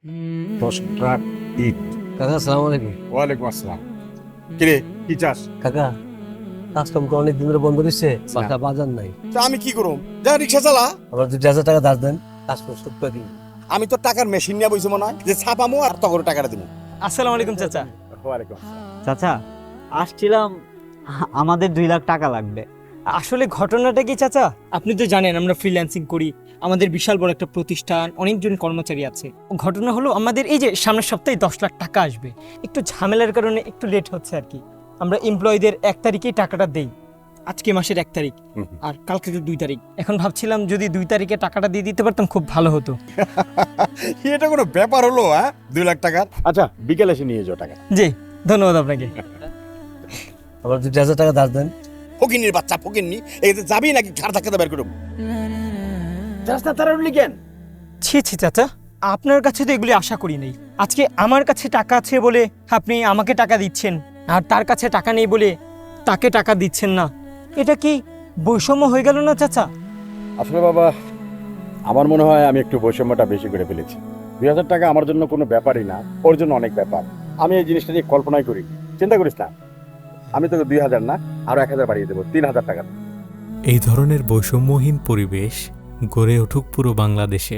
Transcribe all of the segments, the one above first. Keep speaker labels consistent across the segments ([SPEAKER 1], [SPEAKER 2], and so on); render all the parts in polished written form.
[SPEAKER 1] 10 truck ইট।
[SPEAKER 2] কাকা আসসালামু আলাইকুম।
[SPEAKER 1] ওয়ালাইকুম আসসালাম। কিরে কি চাস?
[SPEAKER 2] কাকা কাস্টম তো অনেক দিন ধরে বন্ধ রয়েছে, বাসা বাজার নাই।
[SPEAKER 1] তা আমি কি করুম? যা রিক্সা চালা।
[SPEAKER 2] আবার 2,000 টাকা ধার দেন, কাস্টম শোধ করে দিন।
[SPEAKER 1] আমি তো টাকার মেশিন নিয়ে বইছি মনে হয় যে ছাপামো আর তখন টাকাটা দিব।
[SPEAKER 3] আসসালামু আলাইকুম চাচা।
[SPEAKER 1] ওয়ালাইকুম আসসালাম।
[SPEAKER 4] চাচা আসছিলাম, আমাদের 2 লাখ টাকা লাগবে।
[SPEAKER 3] আসলে ঘটনাটা কি চাচা, আপনি তো জানেন আমরা ফ্রিল্যান্সিং করি, আমাদের বিশাল বড় একটা প্রতিষ্ঠান, অনেকজন কর্মচারী আছে। ঘটনা হলো আমাদের এই যে সামনের সপ্তাহে 10 লাখ টাকা আসবে, একটু ঝামেলার কারণে একটু লেট হচ্ছে আর কি। আমরা এমপ্লয়ীদের 1 তারিখেই টাকাটা দেই, আজকে মাসের 1 তারিখ আর কালকে তো 2 তারিখ। এখন ভাবছিলাম যদি 2 তারিখে টাকাটা দিয়ে দিতে পারতাম খুব ভালো হতো।
[SPEAKER 1] এটা কোনো ব্যাপার হলো? 2 লাখ টাকার। আচ্ছা বিকেলে এসে নিয়ে যাও টাকা।
[SPEAKER 3] জি ধন্যবাদ আপনাকে।
[SPEAKER 2] আবার 2,000 টাকা ধার দেন।
[SPEAKER 1] ফকিন্নির বাচ্চা ফকিন্নি, এতে যাবি নাকি ঘাড় ধাক্কাতে বের করুম? রাস্তা তারা উঠলি কেন?
[SPEAKER 3] ছি ছি চাচা, আপনার কাছে তো এগুলি আশা করি নাই। আজকে আমার কাছে টাকা আছে বলে আপনি আমাকে টাকা দিচ্ছেন, আর তার কাছে টাকা নেই বলে তাকে টাকা দিচ্ছেন না। এটা কি বৈষম্য হয়ে গেল না চাচা?
[SPEAKER 1] আসলে বাবা, আমার মনে হয় আমি একটু বৈষম্যটা বেশি করে ফেলেছি। 2,000 টাকা আমার জন্য কোনো ব্যাপারই না, ওর জন্য অনেক ব্যাপার। আমি এই জিনিসটা নিয়ে কল্পনাই করি। চিন্তা করিস না, আমি তোকে 2,000 না আরো 1,000 বাড়িয়ে দেবো, 3,000 টাকা।
[SPEAKER 5] এই ধরনের বৈষম্যহীন পরিবেশ গড়ে উঠুক পুরো বাংলাদেশে।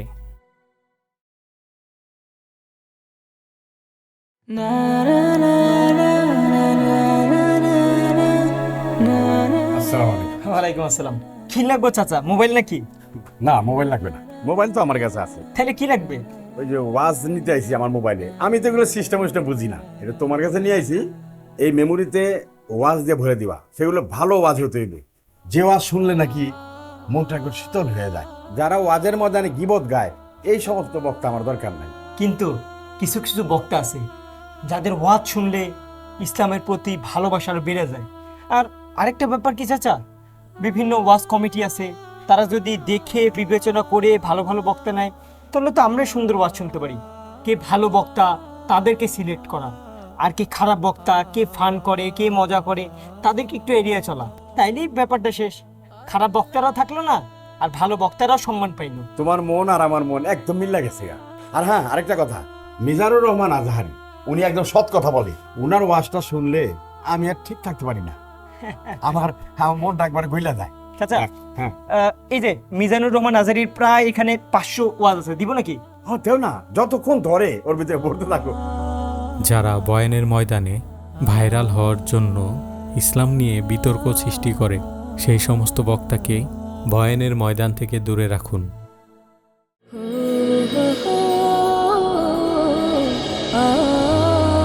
[SPEAKER 1] আসসালামু আলাইকুম।
[SPEAKER 3] ওয়ালাইকুম আসসালাম। কি লাগবে চাচা, মোবাইল নাকি?
[SPEAKER 1] না মোবাইল লাগবে না, মোবাইল তো আমার কাছে আছে।
[SPEAKER 3] তাহলে কি লাগবে?
[SPEAKER 1] ওই যে ওয়াজ নিতে আইছি আমার মোবাইলে, আমি তো এগুলো সিস্টেম বুঝি না, এটা তোমার কাছে নিয়ে আইছি। এই মেমোরিতে ওয়াজ দিয়ে ভরে দিবা, সেগুলো ভালো ওয়াজ হতে হইবে, যে ওয়াজ শুনলে নাকি মনটা একটু শীতল হয়ে যায়। যারা ওয়াজের ময়দানে গীবত গায়, এই সমস্ত বক্তা আমার দরকার নাই।
[SPEAKER 3] কিন্তু কিছু কিছু বক্তা আছে যাদের ওয়াজ শুনলে ইসলামের প্রতি ভালোবাসা আরো বেড়ে যায়। আর আরেকটা ব্যাপার কি চাচা, বিভিন্ন ওয়াজ কমিটি আছে, তারা যদি দেখে বিবেচনা করে ভালো ভালো বক্তা নেয়, তাহলে তো আমরাই সুন্দর ওয়াজ শুনতে পারি। কে ভালো বক্তা তাদেরকে সিলেক্ট করা, আর কে খারাপ বক্তা, কে ফান করে, কে মজা করে, তাদেরকে একটু এড়িয়ে চলা, তাইলেই ব্যাপারটা শেষ। খারাপ বক্তারাও থাকলো না, আর ভালো বক্তারাও সম্মান পাইলো।
[SPEAKER 1] তোমার মন আর আমার মন একদম মিল্লা গেছে গা। আর হ্যাঁ, আরেকটা কথা, মিজানুর রহমান আজহারি উনি একদম সৎ কথা বলে। উনার ওয়াজটা শুনলে আমি আর ঠিক থাকতে পারি না, আমার মনটা একবার গইলা যায়।
[SPEAKER 3] চাচা
[SPEAKER 1] হ্যাঁ
[SPEAKER 3] এই যে মিজানুর রহমান আজারির প্রায় এখানে 500 ওয়াজ আছে, দিব নাকি?
[SPEAKER 1] হ্যাঁ তেও না, যতক্ষণ ধরে ওর ভিতরে পড়তে থাকো।
[SPEAKER 5] যারা বয়ানের ময়দানে ভাইরাল হওয়ার জন্য ইসলাম নিয়ে বিতর্ক সৃষ্টি করে, সেই সমস্ত বক্তাকে বয়ানের ময়দান থেকে দূরে রাখুন।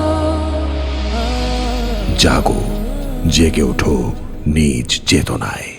[SPEAKER 6] জাগো, জেগে ওঠো নিজ চেতনায়।